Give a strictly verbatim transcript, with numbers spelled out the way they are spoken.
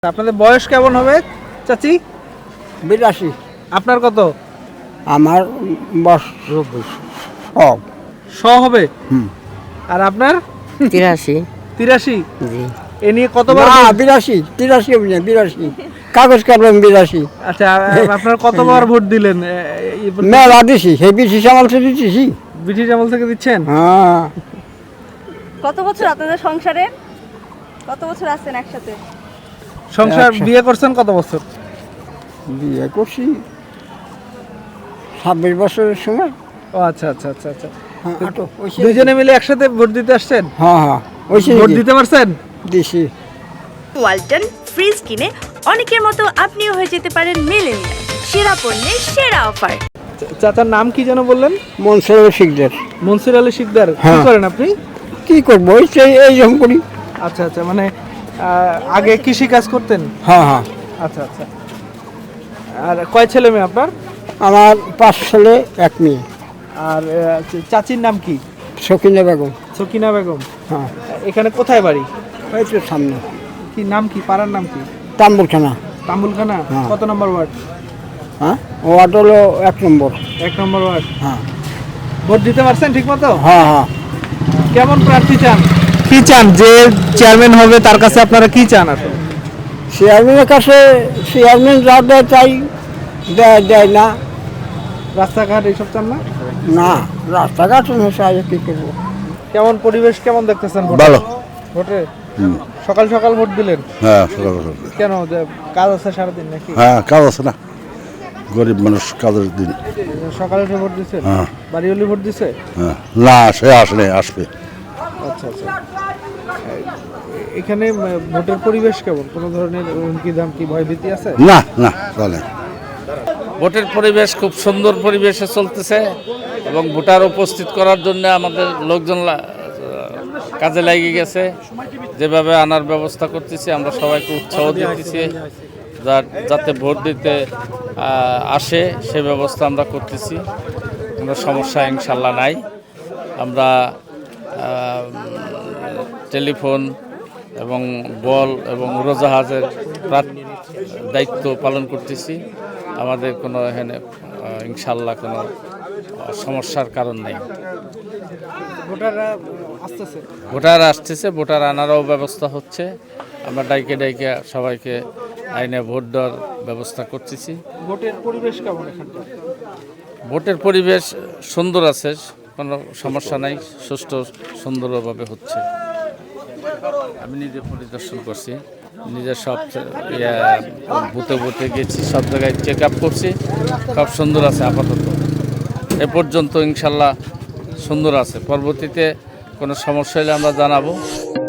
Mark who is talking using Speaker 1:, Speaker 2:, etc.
Speaker 1: আপনাদের বয়স কেমন হবে চাচি?
Speaker 2: বিরাশি।
Speaker 1: আপনার কত?
Speaker 2: আমার বয়স সব
Speaker 1: শ হবে।
Speaker 2: হুম।
Speaker 1: আর আপনার?
Speaker 3: তিরাশি।
Speaker 1: তিরাশি।
Speaker 3: জি।
Speaker 1: এ নিয়ে কতবার
Speaker 2: না
Speaker 1: ভোট-
Speaker 2: বিরাশি তিরাশি হবে না বিরাশি কাগজ কাটলাম বিরাশি
Speaker 1: আচ্ছা আ- আপনার কতবার ভোট দিলেন এ, এই পর্যন্ত?
Speaker 2: মেলা দিছি সেই বিশিস আমল থেকে দিছি।
Speaker 1: ব্রিটিশ আমল থেকে দিচ্ছেন?
Speaker 2: হ্যাঁ
Speaker 4: কত বছর আপনাদের সংসারে? কত বছর আছেন একসাথে?
Speaker 1: সংসার
Speaker 2: একশো।
Speaker 1: বিয়ে করছেন কত বছর?
Speaker 2: বিয়ে করছি ছাব্বিশ বছরের সময়।
Speaker 1: ও আচ্ছা আচ্ছা আচ্ছা আচ্ছা
Speaker 2: হ্যাঁ আটো, ওইসে
Speaker 1: দুইজনে মিলে একসাথে ভোট দিতে আসছেন?
Speaker 2: হ্যাঁ হ্যাঁ ওইসে
Speaker 1: ভোট দিতে পারছেন?
Speaker 2: দিছি।
Speaker 5: ওয়ালটন ফ্রিজ কিনে অনেকের মতো আপনিও হয়ে যেতে পারেন মিলেনিয়াল সেরা পণ্যের সেরা অফার।
Speaker 1: চা- চাচার নাম কি যেন বললেন?
Speaker 2: মনসুর শিকদার।
Speaker 1: মনসুর আলী শিকদার। কি
Speaker 2: হ্যাঁ।
Speaker 1: করেন আপনি?
Speaker 2: কি করবো ওই সেই এই রকম করি।
Speaker 1: আচ্ছা আচ্ছা মানে আহ, আগে কৃষি কাজ করতেন?
Speaker 2: হ্যাঁ হ্যাঁ
Speaker 1: আচ্ছা আচ্ছা। আর কয় ছেলে মেয়ে আপনার?
Speaker 2: আমার পাঁচ ছেলে এক মেয়ে।
Speaker 1: আর আহ, চা- চাচির নাম কি?
Speaker 2: সকিনা বেগম।
Speaker 1: সকিনা বেগম।
Speaker 2: হ্যাঁ
Speaker 1: এখানে কোথায় বাড়ি?
Speaker 2: ওই তো সামনে
Speaker 1: কি নাম কি, পাড়ার নাম কি?
Speaker 2: তাম্বুলখানা।
Speaker 1: তাম্বুলখানা।
Speaker 2: হ্যাঁ।
Speaker 1: কত নম্বর ওয়ার্ড?
Speaker 2: হ্যাঁ ওয়ার্ড হলো এক নম্বর।
Speaker 1: এক নম্বর ওয়ার্ড।
Speaker 2: হ্যাঁ
Speaker 1: ভোট দিতে পারছেন ঠিক মতো?
Speaker 2: হ্যাঁ হ্যাঁ
Speaker 1: কেমন প্রার্থী চান? কি চান যে চেয়ারম্যান হবে তার কাছে আপনারা কি চান আসলে?
Speaker 2: চেয়ারম্যানের কাছে চেয়ারম্যান যা দেয় তাই দেয় দেয় না।
Speaker 1: রাস্তাঘাট এইসব চান না?
Speaker 2: না রাস্তাঘাট সাহায্য কী করবো।
Speaker 1: কেমন পরিবেশ কেমন দেখতেছেন ভোটে?
Speaker 6: ভালো।
Speaker 1: ভোটে সকাল সকাল ভোট দিলেন
Speaker 6: হ্যাঁ সকাল সকাল।
Speaker 1: কেন? যে কাজ আছে সারাদিন নাকি?
Speaker 6: হ্যাঁ কাজ আছে না, গরিব মানুষ কাজের দিন।
Speaker 1: সকালে উঠে ভোট দিছে?
Speaker 6: হ্যাঁ
Speaker 1: বাড়িওয়ালি ভোট দিছে?
Speaker 6: হ্যাঁ না সে আসলে আসবে।
Speaker 1: আচ্ছা আচ্ছা। এ- এখানে উম, ভোটের পরিবেশ কেমন? কোনো ধরনের হুমকি ধামকি ভয়ভীতি আছে?
Speaker 6: না না চলে।
Speaker 7: ভোটের পরিবেশ খুব সুন্দর পরিবেশে চলতেছে এবং ভোটার উপস্থিত করার জন্য আমাদের লোকজন লা- কাজে লাগিয়ে গেছে। যেভাবে আনার ব্যবস্থা করতেছি আমরা সবাইকে উৎসাহ দিতেছি যার যাতে ভোট দিতে আহ, আসে সে ব্যবস্থা আমরা করতেছি। কোনো সমস্যা ইনশাল্লাহ নাই। আমরা আহ, টেলিফোন এবং বল এবং উড়োজাহাজের প্রাত- দায়িত্ব পালন করতেছি। আমাদের কোনো এখানে আহ, ইনশাল্লাহ কোনো আহ, সমস্যার কারণ নেই।
Speaker 1: ভোটাররা আসতেছে?
Speaker 7: ভোটার আসতেছে, ভোটার আনারও ব্যবস্থা হচ্ছে। আমরা ডাইকে ডাইকে সবাইকে আইনে ভোট দেওয়ার ব্যবস্থা করতেছি।
Speaker 1: ভোটের পরিবেশ কেমন এখানকার?
Speaker 7: ভোটের পরিবেশ সুন্দর আছে, কোনো সমস্যা নাই, সুষ্ঠু সুন্দরভাবে হচ্ছে। আমি নিজে পরিদর্শন করছি, নিজে সব ইয়া, বুথে বুথে গেছি, সব জায়গায় চেক আপ করছি, সব সুন্দর আছে আপাতত। এ পর্যন্ত ইনশাল্লাহ সুন্দর আছে। পরবর্তীতে কোনো সমস্যা হলে আমরা জানাবো।